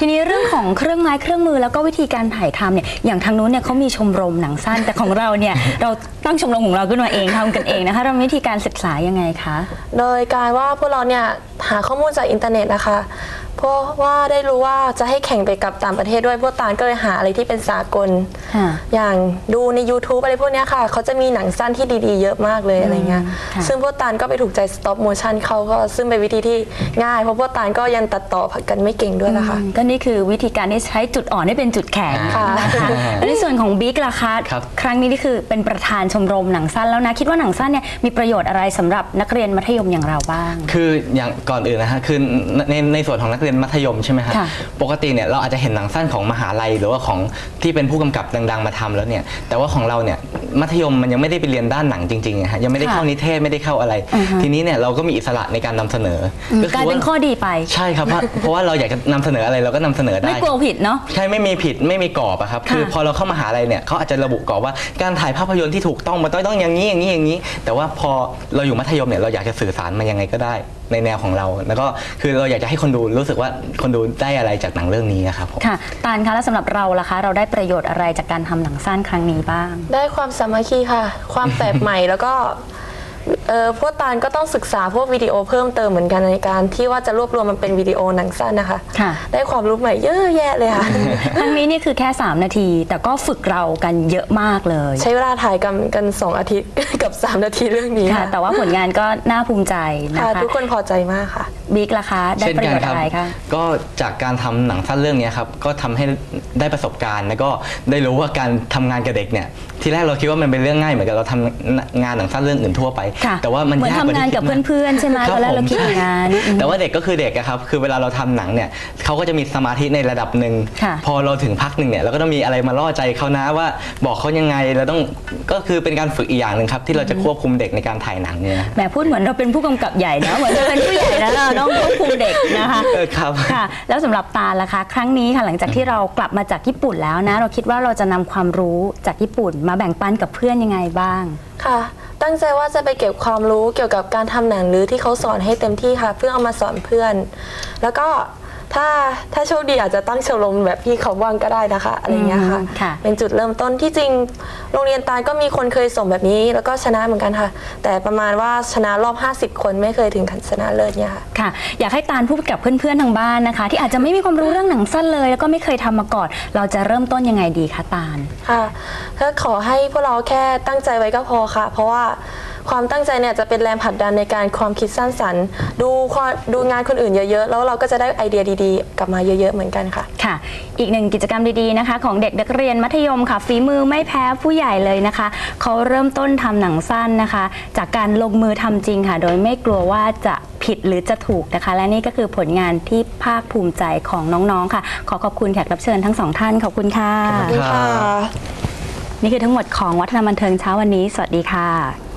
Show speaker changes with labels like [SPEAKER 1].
[SPEAKER 1] ทีนี้เรื่องของเครื่องไม้เครื่องมือแล้วก็วิธีการถ่ายทำเนี่ยอย่างทางนู้นเนี่ยเขามีชมรมหนังสั้นแต่ของเราเนี่ยเราตั้งชมรมของเราขึ้นมาเองทำกันเองนะคะเรามีวิธีการศึกษายังไงคะ
[SPEAKER 2] โดยการว่าพวกเราเนี่ยหาข้อมูลจากอินเทอร์เน็ตนะคะเพราะว่าได้รู้ว่าจะให้แข่งไปกับต่างประเทศด้วยพวกตาลก็เลยหาอะไรที่เป็นสากลอย่างดูใน YouTube อะไรพวกนี้ค่ะเขาจะมีหนังสั้นที่ดีๆเยอะมากเลยอะไรเงี้ยซึ่งพวกตาลก็ไปถูกใจ stop motion เขาก็ซึ่งเป็นวิธีที่ง่ายเพราะพวกตาลก็ยังตัดต่อกันไม่เก่งด้วยนะคะ
[SPEAKER 1] ก็นี่คือวิธีการที่ใช้จุดอ่อนให้เป็นจุดแข็งนะคะและในส่วนของบิ๊กล่ะคะครั้งนี้นี่คือเป็นประธานชมรมหนังสั้นแล้วนะคิดว่าหนังสั้นเนี่ยมีประโยชน์อะไรสำหรับนักเรียนมัธยมอย่างเราบ้าง
[SPEAKER 3] คืออย่างก่อนอื่นนะฮะคือในส่วนของนักเรียนมัธยมใช่ไหมครับปกติเนี่ยเราอาจจะเห็นหนังสั้นของมหาลัยหรือว่าของที่เป็นผู้กำกับดังๆมาทำแล้วเนี่ยแต่ว่าของเราเนี่ยมัธยมมันยังไม่ได้ไปเรียนด้านหนังจริงๆฮะยังไม่ได้เข้านิเทศไม่ได้เข้าอะไรทีนี้เนี่ยเราก็มีอิสระในการนำเสนอก
[SPEAKER 1] ลายเป็นข้อดีไป
[SPEAKER 3] ใช่ครับเพราะว่าเราอยากจะนำเสนออะไรเราก็นำเสนอได้
[SPEAKER 1] ไม่กลัวผิดเนาะ
[SPEAKER 3] ใช่ไม่มีผิดไม่มีกรอบอะครับคือพอเราเข้ามหาลัยเนี่ยเขาอาจจะระบุกรอบว่าการถ่ายภาพยนตร์ที่ถูกต้องมันต้องอย่างนี้อย่างนี้อย่างนี้แต่ว่าพอเราอยู่มัธยมเนี่ยเราอยากจะสื่อสารมันยังไงก็ได้ในแนวของเราแล้วก็คือเราอยากจะให้คนดูรู้สึกว่าคนดูได้อะไรจากหนังเรื่องนี้นะครับผม
[SPEAKER 1] ค่ะตาลคะแล้วสำหรับเราล่ะคะเราได้ประโยชน์อะไรจากการทำหนังสั้นครั้งนี้บ้าง
[SPEAKER 2] ได้ความสามัคคีค่ะความแปลกใหม่แล้วก็พวกตาลก็ต้องศึกษาพวกวิดีโอเพิ่มเติมเหมือนกันในการที่ว่าจะรวบรวมมันเป็นวิดีโอหนังสั้นนะคะได้ความรู้ใหม่เยอะแยะเลยค่ะ
[SPEAKER 1] ครั้งนี้นี่คือแค่3 นาทีแต่ก็ฝึกเรากันเยอะมากเลย
[SPEAKER 2] ใช้เวลาถ่ายกัน2 อาทิตย์กับ3 นาทีเรื่องนี้
[SPEAKER 1] ค่ะแต่ว่าผลงานก็น่าภูมิใจนะคะ
[SPEAKER 2] ทุกคนพอใจมากค่ะ
[SPEAKER 1] บิ๊กล่ะคะได้ประโยชน์อะไรคะ
[SPEAKER 3] ก็จากการทำหนังสั้นเรื่องนี้ครับก็ทำให้ได้ประสบการณ์แล้วก็ได้รู้ว่าการทำงานกับเด็กเนี่ยทีแรกเราคิดว่ามันเป็นเรื่องง่ายเหมือนกับเราทำงานหนังสั้นเรื่องอื่นทั่วไปแต่ว่ามันยากกว่าที่คิด
[SPEAKER 1] ทำงานกับเพื่อนๆใช่ไหมตอนแรกเราคิดอย่างนั้น
[SPEAKER 3] แต่ว่าเด็กก็คือเด็กครับคือเวลาเราทำหนังเนี่ยเขาก็จะมีสมาธิในระดับหนึ่งพอเราถึงพักหนึ่งเนี่ยเราก็ต้องมีอะไรมาล่อใจเขานะว่าบอกเขายังไงเราต้องก็คือเป็นการฝึกอีกอย่างหนึ่งครับที่เราจะควบคุมเด็กในการถ่ายหนังเนี่ย
[SPEAKER 1] แหมพูดเหมือนเราเป็นผู้กำกับใหญ่นะเหมือนเราเป็นผู้ใหญ่แล้วเราต้องควบคุมเด็กนะคะ
[SPEAKER 3] ครับ
[SPEAKER 1] ค่ะแล้วสำหรับตาล่ะคะครั้งนี้ค่ะหลังจากที่เรากลับมาจากญี่ปุ่นแล้วนะเราคิดว่าเราจะนำความรู้จากญี่ปุ่นมาแบ่งปันกับเพื่อนยังไงบ้าง
[SPEAKER 2] ค่ะตั้งใจว่าจะไปเก็บความรู้เกี่ยวกับการทำหนังหรือที่เขาสอนให้เต็มที่ค่ะเพื่อเอามาสอนเพื่อนแล้วก็ถ้าโชคดีอาจจะตั้งชมรมแบบพี่เขาว่างก็ได้นะคะอะไรเงี้ยค่ะเป็นจุดเริ่มต้นที่จริงโรงเรียนตาลก็มีคนเคยส่งแบบนี้แล้วก็ชนะเหมือนกันค่ะแต่ประมาณว่าชนะรอบ50 คนไม่เคยถึงขั้นชนะเลิศเนี่ย
[SPEAKER 1] ค่ะอยากให้ตาลพูดกับเพื่อนๆทางบ้านนะคะที่อาจจะไม่มีความรู้เรื่องหนังสั้นเลยแล้วก็ไม่เคยทำมาก่อนเราจะเริ่มต้นยังไงดีคะตาล
[SPEAKER 2] ค่ะก็ขอให้พวกเราแค่ตั้งใจไว้ก็พอค่ะเพราะว่าความตั้งใจเนี่ยจะเป็นแรงผลักดันในการความคิดสร้างสรรค์ดูงานคนอื่นเยอะๆแล้วเราก็จะได้ไอเดียดีๆกลับมาเยอะๆเหมือนกันค่ะ
[SPEAKER 1] ค่ะอีกหนึ่งกิจกรรมดีๆนะคะของเด็กนักเรียนมัธยมค่ะฝีมือไม่แพ้ผู้ใหญ่เลยนะคะเขาเริ่มต้นทำหนังสั้นนะคะจากการลงมือทำจริงค่ะโดยไม่กลัวว่าจะผิดหรือจะถูกนะคะและนี่ก็คือผลงานที่ภาคภูมิใจของน้องๆค่ะขอขอบคุณแขกรับเชิญทั้ง2 ท่านขอบคุณค่ะ
[SPEAKER 2] ขอบคุณค่ะ
[SPEAKER 1] นี่คือทั้งหมดของวัฒนบันเทิงเช้าวันนี้สวัสดีค่ะ